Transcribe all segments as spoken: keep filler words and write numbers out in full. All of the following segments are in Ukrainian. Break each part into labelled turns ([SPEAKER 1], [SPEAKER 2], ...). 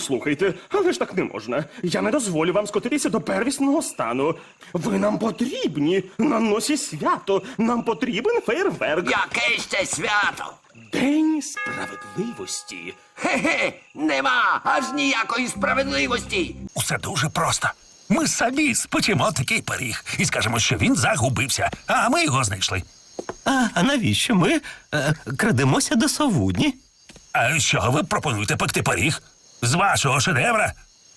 [SPEAKER 1] Послухайте, але ж так не можна. Я не дозволю вам скотитися до первісного стану. Ви нам потрібні на носі свято. Нам потрібен фейерверк.
[SPEAKER 2] Яке ще свято?
[SPEAKER 1] День справедливості.
[SPEAKER 2] Хе-хе, нема аж ніякої справедливості.
[SPEAKER 3] Усе дуже просто. Ми самі спечемо такий пиріг і скажемо, що він загубився, а ми його знайшли.
[SPEAKER 4] А, а навіщо ми е, крадемося до совудні?
[SPEAKER 3] А що ви пропонуєте пекти пиріг? З вашого шедевра?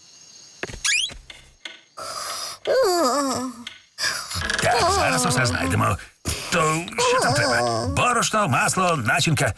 [SPEAKER 3] Так, зараз усе знайдемо. То що там треба? Борошно, масло, начинка.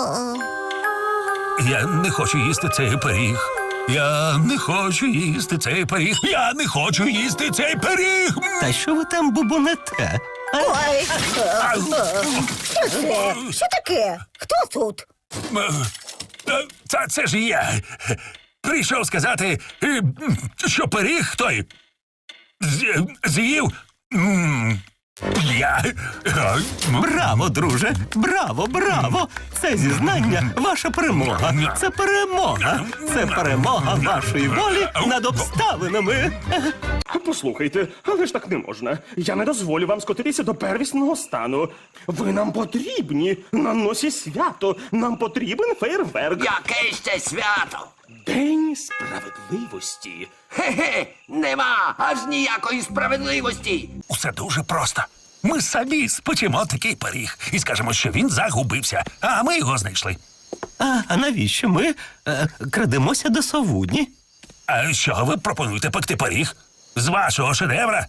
[SPEAKER 3] Я не хочу їсти цей пиріг. Я не хочу їсти цей пиріг. Я не хочу їсти цей пиріг.
[SPEAKER 4] Та що ви там бубонете? А?
[SPEAKER 5] Ой,
[SPEAKER 3] Ау.
[SPEAKER 5] що це? Що таке? Хто тут?
[SPEAKER 3] Е, Та це ж я. Прийшов сказати, е, що пиріг той з- з'їв. м, Я. Е, м,
[SPEAKER 4] Браво, друже! Браво, браво! Це зізнання ваша перемога. Це перемога. Це перемога вашої волі над обставинами.
[SPEAKER 1] Послухайте, але ж так не можна. Я не дозволю вам скотитися до первісного стану. Ви нам потрібні на носі свято. Нам потрібен фейерверк.
[SPEAKER 2] Яке ще свято?
[SPEAKER 1] День справедливості.
[SPEAKER 2] Хе-хе, нема аж ніякої справедливості.
[SPEAKER 3] Усе дуже просто. Ми самі спечемо такий пиріг і скажемо, що він загубився, а ми його знайшли.
[SPEAKER 4] А, а навіщо ми е, крадемося до совудні?
[SPEAKER 3] А що ви пропонуєте пекти пиріг? З вашого шедевра?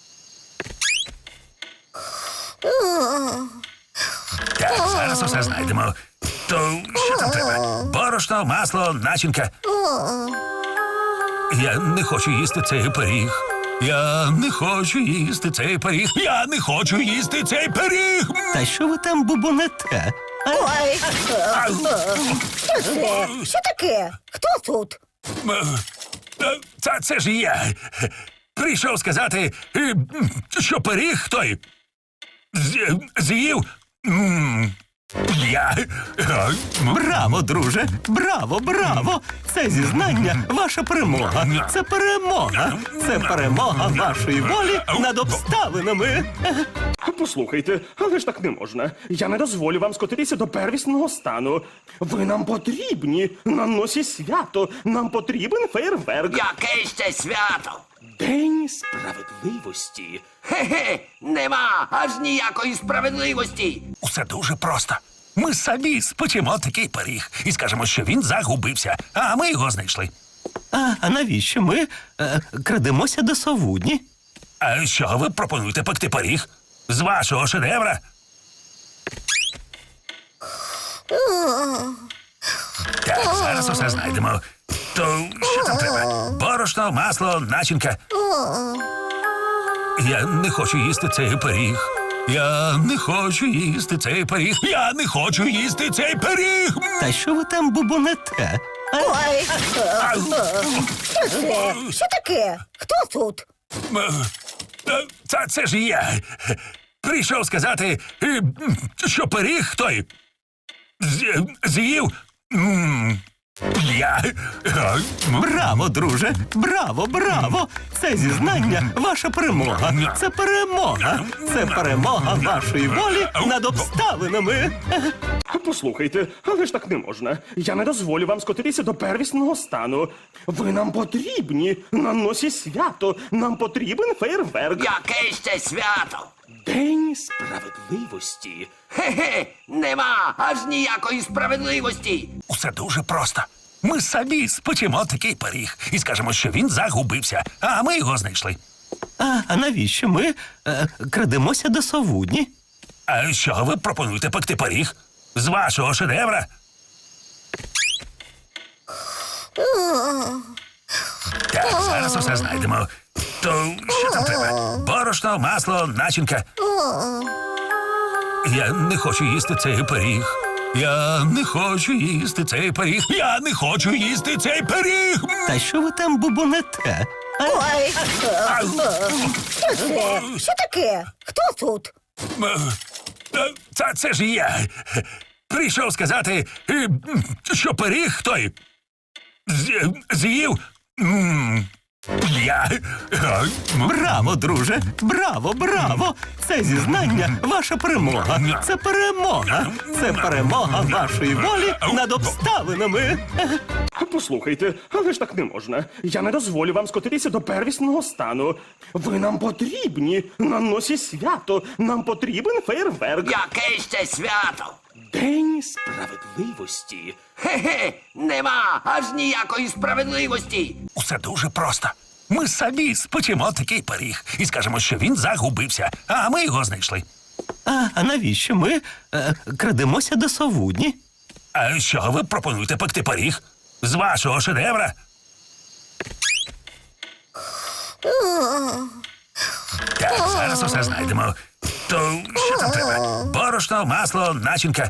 [SPEAKER 3] Так, зараз усе знайдемо. То що там треба? Борошно, масло, начинка. Я не хочу їсти цей пиріг. Я не хочу їсти цей пиріг. Я не хочу їсти цей пиріг.
[SPEAKER 4] Та що ви там бубонете? А?
[SPEAKER 5] Ой,
[SPEAKER 3] Ау.
[SPEAKER 5] що це? Що таке? Хто тут?
[SPEAKER 3] Е, Та це ж я. Прийшов сказати, е, що пиріг той з- з'їв. м, Я. Е, м,
[SPEAKER 4] Браво, друже! Браво, браво! Це зізнання ваша перемога. Це перемога. Це перемога вашої волі над обставинами.
[SPEAKER 1] Послухайте, але ж так не можна. Я не дозволю вам скотитися до первісного стану. Ви нам потрібні на носі свято. Нам потрібен фейерверк.
[SPEAKER 2] Яке ще свято?
[SPEAKER 1] День справедливості.
[SPEAKER 2] Хе-хе, нема аж ніякої справедливості.
[SPEAKER 3] Усе дуже просто. Ми самі спечемо такий пиріг і скажемо, що він загубився, а ми його знайшли.
[SPEAKER 4] А, а навіщо ми е, крадемося до совудні?
[SPEAKER 3] А що ви пропонуєте пекти пиріг? З вашого шедевра? Так, зараз усе знайдемо. То що там треба? Борошно, масло, начинка. Я не хочу їсти цей пиріг. Я не хочу їсти цей пиріг. Я не хочу їсти цей пиріг.
[SPEAKER 4] Та що ви там бубонете? А?
[SPEAKER 5] Ой,
[SPEAKER 3] Ау.
[SPEAKER 5] що це? Що таке? Хто тут?
[SPEAKER 3] Е, Та це ж я. Прийшов сказати, е, що пиріг той з- з'їв. м, Я. Е, м,
[SPEAKER 4] Браво, друже! Браво, браво! Це зізнання ваша перемога. Це перемога. Це перемога вашої волі над обставинами.
[SPEAKER 1] Послухайте, але ж так не можна. Я не дозволю вам скотитися до первісного стану. Ви нам потрібні на носі свято. Нам потрібен фейерверк.
[SPEAKER 2] Яке ще свято?
[SPEAKER 1] День справедливості.
[SPEAKER 2] Хе-хе, нема аж ніякої справедливості.
[SPEAKER 3] Усе дуже просто. Ми самі спечемо такий пиріг і скажемо, що він загубився, а ми його знайшли.
[SPEAKER 4] А, а навіщо ми е, крадемося до совудні?
[SPEAKER 3] А що ви пропонуєте пекти пиріг? З вашого шедевра? Так, зараз усе знайдемо. То що там треба? Борошно, масло, начинка. Я не хочу їсти цей пиріг. Я не хочу їсти цей пиріг. Я не хочу їсти цей пиріг.
[SPEAKER 4] Та що ви там бубонете? А?
[SPEAKER 5] Ой,
[SPEAKER 3] Ау.
[SPEAKER 5] що це? Що таке? Хто тут?
[SPEAKER 3] Е, Та це ж я. Прийшов сказати, е, що пиріг той з- з'їв. М, Я. е, м,
[SPEAKER 4] Браво, друже! Браво, браво! Це зізнання ваша перемога. Це перемога. Це перемога вашої волі над обставинами.
[SPEAKER 1] Послухайте, але ж так не можна. Я не дозволю вам скотитися до первісного стану. Ви нам потрібні на носі свято. Нам потрібен фейерверк.
[SPEAKER 2] Яке ще свято?
[SPEAKER 1] День справедливості.
[SPEAKER 2] Хе-хе, нема аж ніякої справедливості.
[SPEAKER 3] Усе дуже просто. Ми самі спечемо такий пиріг і скажемо, що він загубився, а ми його знайшли.
[SPEAKER 4] А, а навіщо ми е, крадемося до совудні?
[SPEAKER 3] А що ви пропонуєте пекти пиріг? З вашого шедевра? Так, зараз усе знайдемо. То що там треба? Борошно, масло, начинка.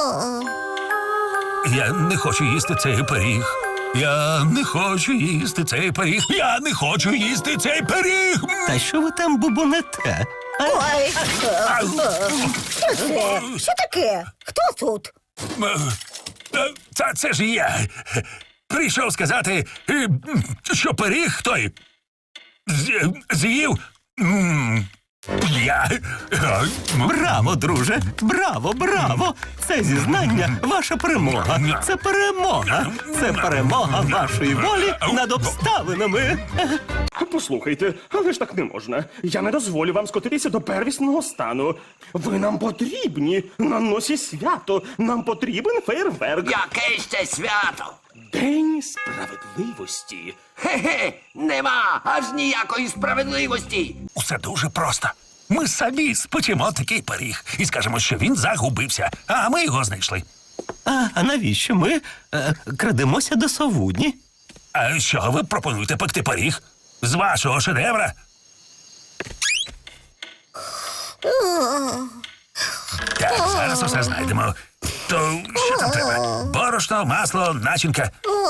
[SPEAKER 3] Я не хочу їсти цей пиріг. Я не хочу їсти цей пиріг. Я не хочу їсти цей пиріг.
[SPEAKER 4] Та що ви там бубонете? А,
[SPEAKER 5] Ой,
[SPEAKER 3] Ау.
[SPEAKER 5] що це? Що таке? Хто тут?
[SPEAKER 3] Е, Та це ж я. Прийшов сказати, е, що пиріг той з- з'їв. М, Я. е, м,
[SPEAKER 4] Браво, друже! Браво, браво! Це зізнання ваша перемога. Це перемога. Це перемога вашої волі над обставинами.
[SPEAKER 1] Послухайте, але ж так не можна. Я не дозволю вам скотитися до первісного стану. Ви нам потрібні на носі свято. Нам потрібен фейерверк.
[SPEAKER 2] Яке ще свято?
[SPEAKER 1] День справедливості.
[SPEAKER 2] Хе-хе, нема аж ніякої справедливості.
[SPEAKER 3] Усе дуже просто. Ми самі спечемо такий пиріг і скажемо, що він загубився, а ми його знайшли.
[SPEAKER 4] А, а навіщо ми е, крадемося до совудні?
[SPEAKER 3] А що ви пропонуєте пекти пиріг? З вашого шедевра? Так, зараз усе знайдемо. То що там треба? Борошно, масло, начинка.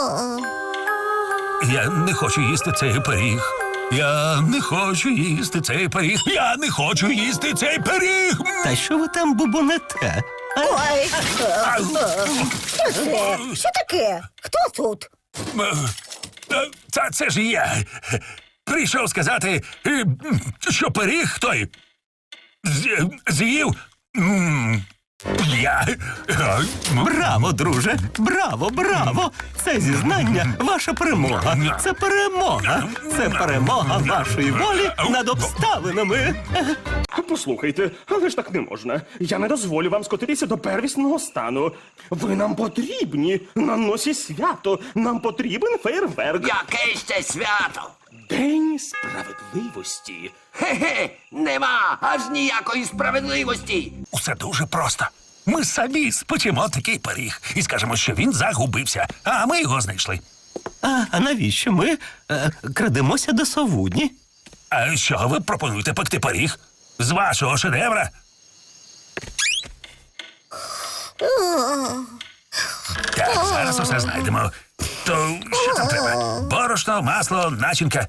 [SPEAKER 3] Я не хочу їсти цей пиріг. Я не хочу їсти цей пиріг. Я не хочу їсти цей пиріг.
[SPEAKER 4] Та що ви там бубонете? А,
[SPEAKER 5] Ой,
[SPEAKER 3] Ау.
[SPEAKER 5] що це? Що таке? Хто тут?
[SPEAKER 3] Е, Та це ж я. Прийшов сказати, е, що пиріг той з- з'їв. М, Я. е, м,
[SPEAKER 4] Браво, друже! Браво, браво! Це зізнання ваша перемога. Це перемога. Це перемога вашої волі над обставинами.
[SPEAKER 1] Послухайте, але ж так не можна. Я не дозволю вам скотитися до первісного стану. Ви нам потрібні на носі свято. Нам потрібен фейерверк.
[SPEAKER 2] Яке ще свято?
[SPEAKER 1] День справедливості.
[SPEAKER 2] Хе-хе, нема аж ніякої справедливості.
[SPEAKER 3] Усе дуже просто. Ми самі спечемо такий пиріг і скажемо, що він загубився, а ми його знайшли.
[SPEAKER 4] А, а навіщо ми е, крадемося до совудні?
[SPEAKER 3] А що ви пропонуєте пекти пиріг? З вашого шедевра? Так, зараз усе знайдемо. То що там треба? Борошно, масло, начинка.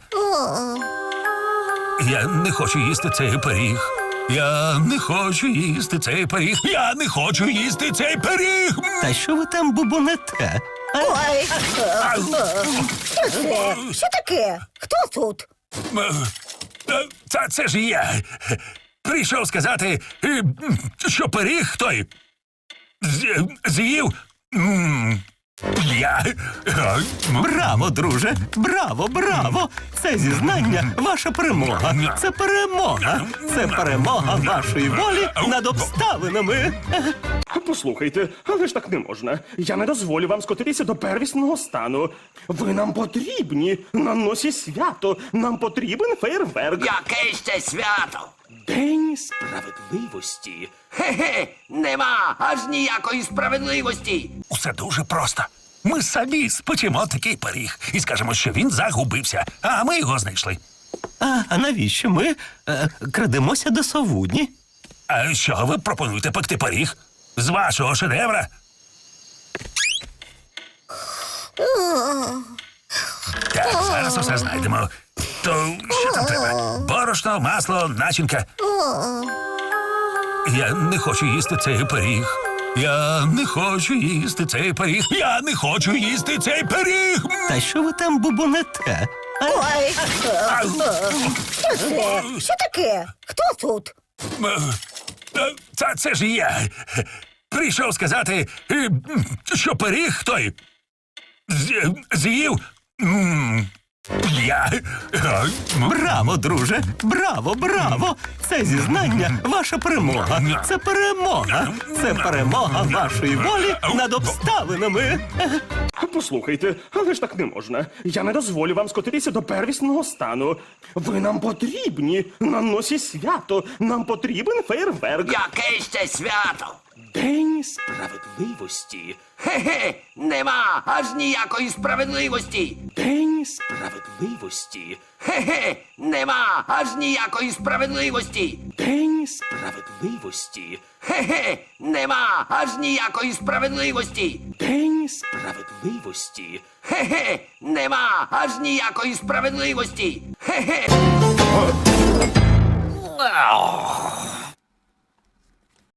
[SPEAKER 3] Я не хочу їсти цей пиріг. Я не хочу їсти цей пиріг. Я не хочу їсти цей пиріг.
[SPEAKER 4] Та що ви там бубонете? А,
[SPEAKER 5] Ой,
[SPEAKER 3] Ау.
[SPEAKER 5] що це? Що таке? Хто тут?
[SPEAKER 3] Е, Та це ж я. Прийшов сказати, е, що пиріг той з- з'їв. М, Я. е, м,
[SPEAKER 4] Браво, друже! Браво, браво! Це зізнання ваша перемога. Це перемога. Це перемога вашої волі над обставинами.
[SPEAKER 1] Послухайте, але ж так не можна. Я не дозволю вам скотитися до первісного стану. Ви нам потрібні на носі свято. Нам потрібен фейерверк.
[SPEAKER 2] Яке ще свято?
[SPEAKER 1] День справедливості.
[SPEAKER 2] Хе-хе, нема аж ніякої справедливості.
[SPEAKER 3] Усе дуже просто. Ми самі спечемо такий пиріг і скажемо, що він загубився, а ми його знайшли.
[SPEAKER 4] А, а навіщо ми е, крадемося до совудні?
[SPEAKER 3] А що ви пропонуєте пекти пиріг? З вашого шедевра? Так, зараз усе знайдемо. То що там треба? Борошно, масло, начинка. Я не хочу їсти цей пиріг. Я не хочу їсти цей пиріг. Я не хочу їсти цей пиріг.
[SPEAKER 4] Та що ви там бубонете? А?
[SPEAKER 5] Ой, е, е, що це? Що таке? Хто тут?
[SPEAKER 3] Е, Та це ж я. Прийшов сказати, е, що пиріг той з- з'їв. м, Я. Е,
[SPEAKER 4] Браво, друже! Браво, браво! Це зізнання ваша перемога. Це перемога. Це перемога вашої волі над обставинами.
[SPEAKER 1] Послухайте, але ж так не можна. Я не дозволю вам скотитися до первісного стану. Ви нам потрібні на носі свято. Нам потрібен фейерверк.
[SPEAKER 2] Яке ще свято?
[SPEAKER 1] День справедливості.
[SPEAKER 2] Хе-хе, нема аж ніякої справедливості.
[SPEAKER 1] День справедливості.
[SPEAKER 2] Хе-хе, нема аж ніякої справедливості.
[SPEAKER 1] День справедливості.
[SPEAKER 2] Хе-хе, нема аж ніякої справедливості.
[SPEAKER 1] День справедливості.
[SPEAKER 2] Хе-хе, нема аж ніякої справедливості. Хе-хе.